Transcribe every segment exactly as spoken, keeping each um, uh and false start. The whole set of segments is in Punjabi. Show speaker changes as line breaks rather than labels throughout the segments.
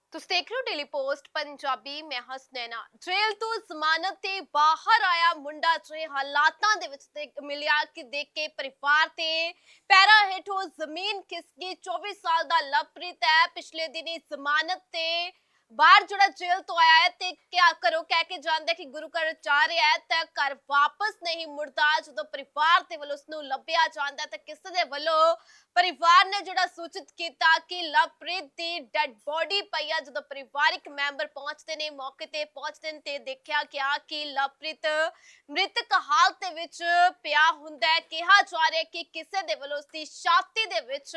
ਤੁਸੀਂ ਦੇਖ ਰਹੇ ਹੋ ਡੇਲੀ ਪੋਸਟ ਪੰਜਾਬੀ। ਮੈਂ ਹਸਨੈਨਾ। ਜੇਲ੍ਹ ਤੋਂ ਜ਼ਮਾਨਤ ਤੇ ਬਾਹਰ ਆਇਆ ਮੁੰਡਾ ਜੇ ਹਾਲਾਤਾਂ ਦੇ ਵਿੱਚ ਦੇਖ ਮਿਲਿਆ ਕਿ ਦੇਖ ਕੇ ਪਰਿਵਾਰ ਤੇ ਪੈਰਾਂ ਹੇਠੋਂ ਜ਼ਮੀਨ ਖਿਸਕੀ। ਚੌਵੀ ਸਾਲ ਦਾ ਲਵਪ੍ਰੀਤ ਹੈ, ਪਿਛਲੇ ਦਿਨੀ ਜ਼ਮਾਨਤ ਤੇ ਬਾਹਰ ਜਿਹੜਾ ਜੇਲ੍ਹ ਤੋਂ ਆਇਆ ਹੈ ਤੇ ਕਿਆ ਕਰੋ ਕਹਿ ਕੇ ਜਾਂਦਾ ਕਿ ਗੁਰੂ ਘਰ ਜਾ ਰਿਹਾ ਹੈ ਤਾਂ ਘਰ ਵਾਪਸ ਨਹੀਂ ਮੁੜਦਾ। ਜਦੋਂ ਪਰਿਵਾਰ ਦੇ ਵੱਲੋਂ ਉਸਨੂੰ ਲੱਭਿਆ ਜਾਂਦਾ ਤਾਂ ਕਿਸੇ ਦੇ ਵੱਲੋਂ ਪਰਿਵਾਰ ਨੇ ਜਿਹੜਾ ਸੂਚਿਤ ਕੀਤਾ ਕਿ ਲਵਪ੍ਰੀਤ ਦੀ ਡੈਡ ਬੋਡੀ ਪਈ ਆ। ਜਦੋਂ ਪਰਿਵਾਰਿਕ ਮੈਂਬਰ ਪਹੁੰਚਦੇ ਨੇ, ਮੌਕੇ ਤੇ ਪਹੁੰਚਦੇ ਨੇ ਤੇ ਦੇਖਿਆ ਗਿਆ ਕਿ ਲਵਪ੍ਰੀਤ ਮ੍ਰਿਤਕ ਹਾਲਤ ਦੇ ਵਿੱਚ ਪਿਆ ਹੁੰਦਾ ਹੈ। ਕਿਹਾ ਜਾ ਰਿਹਾ ਕਿ ਕਿਸੇ ਦੇ ਵੱਲੋਂ ਉਸਦੀ ਛਾਤੀ ਦੇ ਵਿੱਚ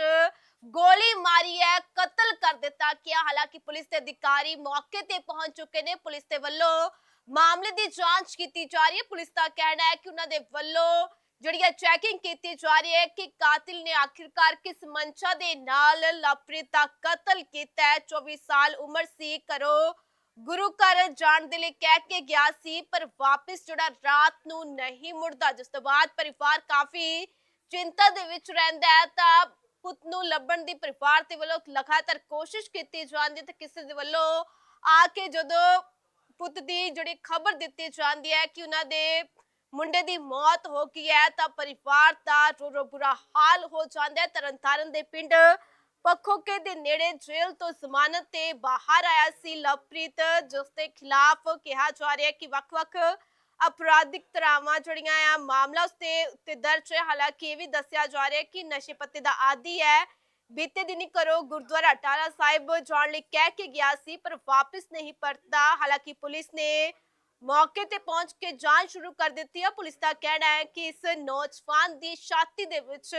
ਗੋਲੀ ਮਾਰੀ ਹੈ, ਕਤਲ ਕਰ ਦਿੱਤਾ ਗਿਆ। ਹਾਲਾਂਕਿ ਪੁਲਿਸ ਦੇ ਅਧਿਕਾਰੀ ਮੌਕੇ ਤੇ ਪਹੁੰਚ ਚੁੱਕੇ ਨੇ। ਪੁਲਿਸ ਦੇ ਵੱਲੋਂ ਮਾਮਲੇ ਦੀ ਜਾਂਚ ਕੀਤੀ ਜਾ ਰਹੀ ਹੈ। ਪੁਲਿਸ ਦਾ ਕਹਿਣਾ ਹੈ ਕਿ ਉਹਨਾਂ ਦੇ ਵੱਲੋਂ ਜਿਹੜੀ ਚੈਕਿੰਗ ਕੀਤੀ ਜਾ ਰਹੀ ਹੈ ਕਿ ਕਾਤਿਲ ਨੇ ਆਖਿਰਕਾਰ ਕਿਸ ਮਨਸ਼ਾ ਦੇ ਨਾਲ ਲਵਪ੍ਰੀਤ ਦਾ ਕਤਲ ਕੀਤਾ ਹੈ। ਚੌਵੀ ਸਾਲ ਉਮਰ ਸੀ, ਘਰੋਂ ਗੁਰੂ ਘਰ ਜਾਣ ਦੇ ਲਈ ਕਹਿ ਕੇ ਗਿਆ ਸੀ ਪਰ ਵਾਪਸ ਜਿਹੜਾ ਰਾਤ ਨੂੰ ਨਹੀਂ ਮੁੜਦਾ, ਜਿਸ ਤੋਂ ਬਾਅਦ ਪਰਿਵਾਰ ਕਾਫੀ ਚਿੰਤਾ ਦੇ ਵਿੱਚ ਰਹਿੰਦਾ ਹੈ। ਤਾਂ ਪੁੱਤ ਨੂੰ ਲੱਭਣ ਦੀ ਪਰਿਵਾਰ ਦੇ ਵੱਲੋਂ ਲਗਾਤਾਰ ਕੋਸ਼ਿਸ਼ ਕੀਤੀ ਜਾਂਦੀ ਹੈ ਤੇ ਕਿਸੇ ਦੇ ਵੱਲੋਂ ਆ ਕੇ ਜਦੋਂ ਪੁੱਤ ਦੀ ਜਿਹੜੀ ਖਬਰ ਦਿੱਤੀ ਜਾਂਦੀ ਹੈ ਕਿ ਉਹਨਾਂ ਦੇ ਮੁੰਡੇ ਦੀ ਮੌਤ ਹੋ ਗਈ ਹੈ ਤਾਂ ਪਰਿਵਾਰ ਦਾ ਰੋ ਰੋ ਬੁਰਾ ਹਾਲ ਹੋ ਜਾਂਦਾ ਹੈ। ਤਰਨਤਾਰਨ ਦੇ ਪਿੰਡ ਪੱਖੋਕੇ ਦੇ ਨੇੜੇ ਜੇਲ੍ਹ ਤੋਂ ਜ਼ਮਾਨਤ ਤੇ ਬਾਹਰ ਆਇਆ ਸੀ ਲਵਪ੍ਰੀਤ, ਜਿਸ ਦੇ ਖਿਲਾਫ ਕਿਹਾ ਜਾ ਰਿਹਾ ਹੈ ਕਿ ਵੱਖ-ਵੱਖ ਅਪਰਾਧਿਕ ਧਾਰਾਵਾਂ ਜਿਹੜੀਆਂ ਆ ਮਾਮਲਾ ਉਸਤੇ ਉੱਤੇ ਦਰਜ ਹੈ। ਹਾਲਾਂਕਿ ਇਹ ਵੀ ਦੱਸਿਆ ਜਾ ਰਿਹਾ ਹੈ ਕਿ ਨਸ਼ੇ ਪੱਤੇ ਦਾ ਆਦੀ ਹੈ। ਬੀਤੇ ਦਿਨੀ ਘਰੋਂ ਗੁਰਦੁਆਰਾ ਟਾਲਾ ਸਾਹਿਬ ਜਾਣ ਲਈ ਕਹਿ ਕੇ ਗਿਆ ਸੀ ਪਰ ਵਾਪਸ ਨਹੀਂ ਪਰਤਦਾ। ਹਾਲਾਂਕਿ ਪੁਲਿਸ ਨੇ ਮੌਕੇ ਤੇ ਪਹੁੰਚ ਕੇ ਜਾਂਚ ਸ਼ੁਰੂ ਕਰ ਦਿੱਤੀ ਹੈ। ਪੁਲਿਸ ਦਾ ਕਹਿਣਾ ਹੈ ਕਿ ਇਸ ਨੌਜਵਾਨ ਦੀ ਛਾਤੀ ਦੇ ਵਿੱਚ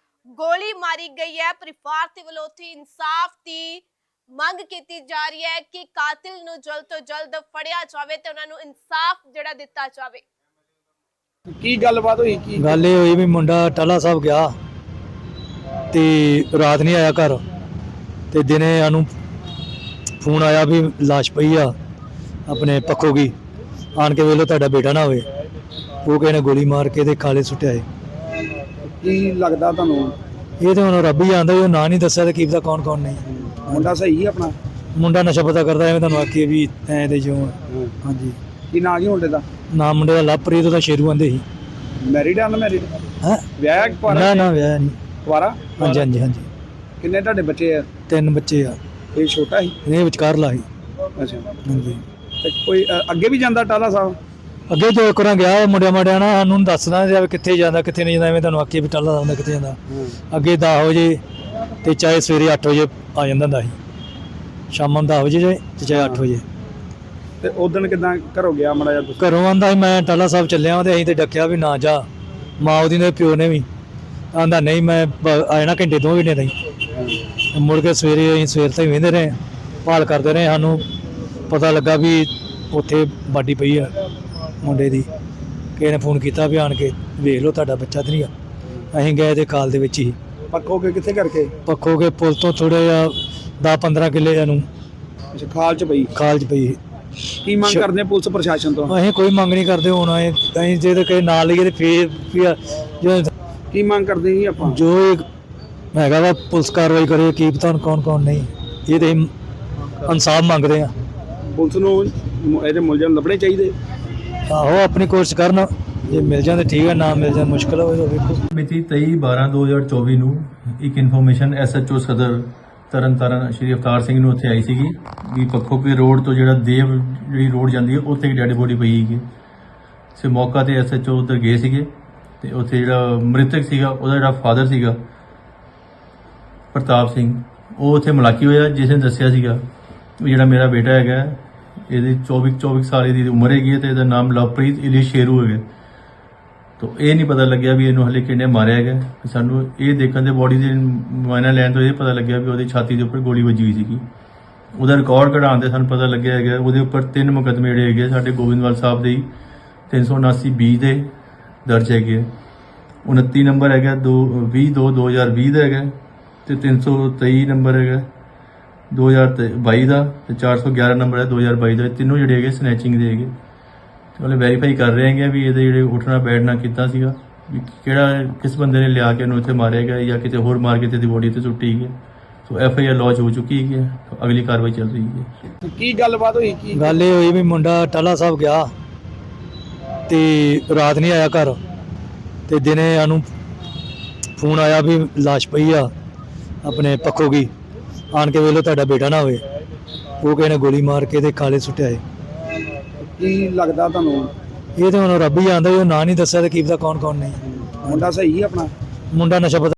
ਗੋਲੀ ਮਾਰੀ ਗਈ ਹੈ। ਪਰਿਵਾਰ ਦੇ ਵੱਲੋਂ ਉੱਥੇ ਇਨਸਾਫ ਦੀ ਮੰਗ ਕੀਤੀ ਜਾ ਰਹੀ ਹੈ ਕਿ ਕਾਤਿਲ ਨੂੰ ਜਲਦ ਤੋਂ ਜਲਦ ਫੜਿਆ ਜਾਵੇ ਤੇ ਉਹਨਾਂ ਨੂੰ ਇਨਸਾਫ ਜਿਹੜਾ ਦਿੱਤਾ ਜਾਵੇ।
ਕੀ ਗੱਲਬਾਤ ਹੋਈ? ਕੀ
ਗੱਲ ਇਹ ਹੋਈ ਵੀ ਮੁੰਡਾ ਟਾਲਾ ਸਾਹਿਬ ਗਿਆ ਤੇ ਰਾਤ ਨਹੀਂ ਆਇਆ ਘਰ ਤੇ ਦਿਨੇ ਸਾਨੂੰ ਫੋਨ ਆਇਆ ਵੀ ਲਾਸ਼ ਪਈ ਆ ਆਪਣੇ ਪੱਖੋ ਗਈ, ਆਣ ਕੇ ਵੇਲੋ ਤੁਹਾਡਾ ਬੇਟਾ ਨਾ ਹੋਵੇ। ਉਹ ਕਿਸੇ ਨੇ ਗੋਲੀ ਮਾਰ ਕੇ ਤੇ ਖਾਲੇ ਸੁੱਟਿਆ ਏ।
ਕੀ ਲੱਗਦਾ ਤੁਹਾਨੂੰ?
ਇਹ ਤਾਂ ਹੁਣ ਰੱਬ ਹੀ ਜਾਣਦਾ, ਉਹ ਨਾਂ ਨਹੀਂ ਦੱਸਿਆ ਤੇ ਕੀ ਪਤਾ ਕੌਣ ਕੌਣ ਨਹੀਂ।
ਮੁੰਡਾ ਸਹੀ ਹੈ ਆਪਣਾ?
ਮੁੰਡਾ ਨਸ਼ਾ ਪਤਾ ਕਰਦਾ, ਐਵੇਂ ਤੁਹਾਨੂੰ ਆਖੀਏ ਵੀ ਐਂ ਦੇ ਜੋ। ਹਾਂਜੀ।
ਕੀ ਨਾਂ ਕੀ ਮੁੰਡੇ ਦਾ?
ਨਾਮ ਮੁੰਡੇ ਦਾ ਲਵਪ੍ਰੀਤ, ਉਹਦਾ ਸ਼ੇਰੂ ਆਂਦੇ ਸੀ।
ਮੈਰਿਡ ਆ? ਅਨਮੈਰਿਡ?
ਹੈਂ?
ਵਿਆਹ ਕੁਆਰਾ?
ਨਾ ਨਾ ਵਿਆਹ ਨਹੀਂ।
ਕੁਆਰਾ?
ਹਾਂਜੀ ਹਾਂਜੀ ਹਾਂਜੀ।
ਕਿੰਨੇ ਤੁਹਾਡੇ ਬੱਚੇ ਆ?
ਤਿੰਨ ਬੱਚੇ ਆ।
ਇਹ ਛੋਟਾ ਸੀ?
ਇਹ ਵਿਚਕਾਰਲਾ ਸੀ।
ਅੱਛਾ।
ਹਾਂਜੀ।
ਤੇ ਕੋਈ ਅ, ਅੱਗੇ ਵੀ ਜਾਂਦਾ ਟਾਲਾ ਸਾਹਿਬ?
ਅੱਗੇ ਜੋ ਇੱਕ ਵਾਰ ਗਿਆ ਮੁੰਡਿਆਂ ਮਾੜਿਆਂ ਨਾਲ ਸਾਨੂੰ ਦੱਸਦਾ ਜਾਵੇ ਕਿੱਥੇ ਜਾਂਦਾ ਕਿੱਥੇ ਨਹੀਂ ਜਾਂਦਾ, ਐਵੇਂ ਤੁਹਾਨੂੰ ਆਖੀਏ ਵੀ ਟਾਲਾ ਜਾਂਦਾ ਕਿੱਥੇ ਜਾਂਦਾ। ਅੱਗੇ ਦਸ ਵਜੇ ਤੇ ਚਾਹੇ ਸਵੇਰੇ ਅੱਠ ਵਜੇ ਆ ਜਾਂਦਾ ਹੁੰਦਾ ਸੀ, ਸ਼ਾਮਾਂ ਨੂੰ ਦਸ ਵਜੇ ਜਾਏ ਤੇ ਚਾਹੇ ਅੱਠ ਵਜੇ।
ਤੇ ਉਦੋਂ ਕਿਦਾਂ ਘਰੋਂ ਗਿਆ ਮਾੜਾ ਜਿਹਾ ਤੁਸੀਂ?
ਘਰੋਂ ਆਂਦਾ ਸੀ ਮੈਂ ਟਾਲਾ ਸਾਹਿਬ ਚੱਲਿਆ ਵਾਂ ਤੇ ਅਸੀਂ ਤੇ ਡੱਕਿਆ ਵੀ ਨਾ ਜਾ। ਮਾਂ ਉਹਦੀ ਨੇ ਪਿਓ ਨੇ ਵੀ ਆਂਦਾ ਨਹੀਂ ਮੈਂ ਬ- ਆ ਜਾਣਾ ਘੰਟੇ ਦੋ ਘੰਟੇ ਤਾਈਂ। ਮੁੜ ਕੇ ਸਵੇਰੇ ਅਸੀਂ ਸਵੇਰ ਤਾਈਂ ਵਹਿੰਦੇ ਰਹੇ, ਭਾਲ ਕਰਦੇ ਰਹੇ। ਸਾਨੂੰ ਪਤਾ ਲੱਗਾ ਵੀ ਉੱਥੇ ਬਾਡੀ ਪਈ ਆ ਮੁੰਡੇ ਦੀ। ਕਿਸੇ ਨੇ ਫੋਨ ਕੀਤਾ ਵੀ ਆਣ ਕੇ ਵੇਖ ਲਓ ਤੁਹਾਡਾ ਬੱਚਾ ਤਾਂ ਨਹੀਂ ਆ। ਅਸੀਂ ਗਏ ਤੇ ਕਾਲ ਦੇ ਵਿੱਚ ਹੀ
ਪੱਖੋ ਕੇ ਕਿੱਥੇ ਕਰਕੇ?
ਪੱਖੋ ਕੇ ਪੁਲ ਤੋਂ ਥੋੜ੍ਹੇ ਜਿਹਾ ਦਸ ਪੰਦਰਾਂ ਕਿੱਲੇ ਨੂੰ
ਅੱਛਾ, ਖਾਲ ਚ ਪਈ?
ਖਾਲ 'ਚ ਪਈ।
ਕੀ ਮੰਗ ਕਰਦੇ ਪੁਲਿਸ ਪ੍ਰਸ਼ਾਸਨ ਤੋਂ?
ਅਸੀਂ ਕੋਈ ਮੰਗ ਨਹੀਂ ਕਰਦੇ। ਹੁਣ ਅਸੀਂ ਅਸੀਂ ਜੇ ਤਾਂ ਕਿਸੇ ਨਾਲ ਲਈਏ ਤੇ ਫੇਰ ਫਿਰ ਜੋ
ਕੀ ਮੰਗ ਕਰਦੇ ਜੀ ਆਪਾਂ?
ਜੋ ਇਹ ਹੈਗਾ ਵਾ ਪੁਲਿਸ ਕਾਰਵਾਈ ਕਰੇ। ਕੀ ਪਤਾ ਹੁਣ ਕੌਣ ਕੌਣ ਨਹੀਂ। ਇਹ ਤੇ ਇਨਸਾਫ ਮੰਗਦੇ ਆ।
ਪੁਲਿਸ ਨੂੰ ਮ- ਇਹਦੇ ਮੁਲਜ਼ਮ ਲੱਭਣੇ ਚਾਹੀਦੇ।
ਆਹੋ ਆਪਣੀ ਕੋਸ਼ਿਸ਼ ਕਰਨ, ਜੇ ਮਿਲ ਜਾਂਦੇ ਠੀਕ ਹੈ, ਨਾ ਮਿਲ ਜਾਣ ਮੁਸ਼ਕਲ ਹੋਵੇ ਤਾਂ ਵੇਖੋ।
ਮਿਤੀ ਤੇਈ ਬਾਰਾਂ ਦੋ ਹਜ਼ਾਰ ਚੌਵੀ ਨੂੰ ਇੱਕ ਇਨਫੋਰਮੇਸ਼ਨ ਐਸਐਚਓ ਸਦਰ ਤਰਨਤਾਰਨ ਸ਼੍ਰੀ ਅਵਤਾਰ ਸਿੰਘ ਨੂੰ ਉੱਥੇ ਆਈ ਸੀਗੀ ਵੀ ਪੱਖੋਕੇ ਰੋਡ ਤੋਂ ਜਿਹੜਾ ਦੇਵ ਜਿਹੜੀ ਰੋਡ ਜਾਂਦੀ ਹੈ ਉੱਥੇ ਇੱਕ ਡੈਡ ਬੋਡੀ ਪਈ ਸੀਗੀ। ਸੇ ਮੌਕਾ ਤੇ ਐਸਐਚਓ ਉੱਧਰ ਗਏ ਸੀਗੇ ਤੇ ਉੱਥੇ ਜਿਹੜਾ ਮ੍ਰਿਤਕ ਸੀਗਾ ਉਹਦਾ ਜਿਹੜਾ ਫਾਦਰ ਸੀਗਾ ਪ੍ਰਤਾਪ ਸਿੰਘ, ਉਹ ਉੱਥੇ ਮੁਲਾਕੀ ਹੋਇਆ, ਜਿਸ ਨੇ ਦੱਸਿਆ ਸੀਗਾ ਵੀ ਜਿਹੜਾ ਮੇਰਾ ਬੇਟਾ ਹੈਗਾ ਇਹਦੀ ਚੌਵੀ ਚੌਵੀ ਸਾਲ ਦੀ ਉਮਰ ਹੈਗੀ ਹੈ ਤੇ ਇਹਦਾ ਨਾਮ ਲਵਪ੍ਰੀਤ ਇਲੀ ਸ਼ੇਰੂ ਹੈਗਾ। ਤੋ ਇਹ ਨਹੀਂ ਪਤਾ ਲੱਗਿਆ ਵੀ ਇਹਨੂੰ ਹਲੇ ਕਿਹਨੇ ਮਾਰਿਆ ਹੈਗਾ। ਸਾਨੂੰ ਇਹ ਦੇਖਣ ਦੇ ਬੋਡੀ ਦੇ ਮੁਆਇਨਾ ਲੈਣ ਤੋਂ ਇਹ ਪਤਾ ਲੱਗਿਆ ਵੀ ਉਹਦੀ ਛਾਤੀ ਦੇ ਉੱਪਰ ਗੋਲੀ ਵੱਜੀ ਹੋਈ ਸੀਗੀ। ਉਹਦਾ ਰਿਕਾਰਡ ਕਢਾਉਣ ਦੇ ਸਾਨੂੰ ਪਤਾ ਲੱਗਿਆ ਹੈਗਾ ਉਹਦੇ ਉੱਪਰ ਤਿੰਨ ਮੁਕੱਦਮੇ ਜਿਹੜੇ ਹੈਗੇ ਸਾਡੇ ਗੋਬਿੰਦਵਾਲ ਸਾਹਿਬ ਦੇ ਤਿੰਨ ਸੌ ਉਨਾਸੀ ਬੀ ਦੇ ਦਰਜ ਹੈਗੇ। ਉਨੱਤੀ ਨੰਬਰ ਹੈਗਾ ਦੋ ਵੀਹ ਦੋ ਦੋ ਹਜ਼ਾਰ ਵੀਹ ਦਾ ਹੈਗਾ ਤੇ ਤਿੰਨ ਸੌ ਤੇਈ ਨੰਬਰ ਹੈਗਾ ਦੋ ਹਜ਼ਾਰ ਬਾਈ ਦਾ ਤੇ ਚਾਰ ਸੌ ਗਿਆਰਾਂ ਨੰਬਰ ਹੈ ਦੋ ਹਜ਼ਾਰ ਬਾਈ ਦਾ। ਤਿੰਨੋਂ ਜਿਹੜੇ ਹੈਗੇ ਸਨੈਚਿੰਗ ਦੇ ਹੈਗੇ। ਉਹਨੇ ਵੈਰੀਫਾਈ ਕਰ ਰਹੇ ਹੈਗੇ ਵੀ ਇਹਦੇ ਜਿਹੜੇ ਉੱਠਣਾ ਬੈਠਣਾ ਕੀਤਾ ਸੀਗਾ, ਵੀ ਕਿਹੜਾ ਕਿਸ ਬੰਦੇ ਨੇ ਲਿਆ ਕੇ ਉਹਨੂੰ ਇੱਥੇ ਮਾਰਿਆ ਗਿਆ ਜਾਂ ਕਿਤੇ ਹੋਰ ਮਾਰ ਕੇ ਤੇ ਦੀ ਬੋਡੀ ਤੇ ਸੁੱਟੀ ਗਈ। So F I R launch ਹੋ ਚੁੱਕੀ ਹੈ, ਅਗਲੀ ਕਾਰਵਾਈ ਚੱਲ ਰਹੀ ਹੈ।
ਕੀ ਗੱਲਬਾਤ ਹੋਈ ਕੀ
ਗੱਲ ਇਹ ਹੋਈ ਵੀ ਮੁੰਡਾ ਟਾਲਾ ਸਾਹਿਬ ਗਿਆ ਤੇ ਰਾਤ ਨਹੀਂ ਆਇਆ ਘਰ, ਤੇ ਦਿਨੇ ਸਾਨੂੰ ਫੋਨ ਆਇਆ ਵੀ ਲਾਸ਼ ਪਈ ਆ ਆਪਣੇ ਪੱਖੋ ਕੀ, ਆਣ ਕੇ ਵੇਲੋ ਤੁਹਾਡਾ ਬੇਟਾ ਨਾ ਹੋਵੇ। ਉਹ ਕਿਸੇ ਨੇ ਗੋਲੀ ਮਾਰ ਕੇ ਤੇ ਖਾਲੇ ਸੁੱਟਿਆ ਏ।
ਕੀ ਲੱਗਦਾ ਤੁਹਾਨੂੰ?
ਇਹ ਤਾਂ ਹੁਣ ਰੱਬ ਹੀ ਜਾਣਦਾ, ਉਹ ਨਾਂ ਨਹੀਂ ਦੱਸਿਆ ਤੇ ਕੀ ਪਤਾ ਕੌਣ ਕੌਣ ਨਹੀਂ।
ਮੁੰਡਾ ਸਹੀ ਆਪਣਾ?
ਮੁੰਡਾ ਨਸ਼ਾ ਪਤਾ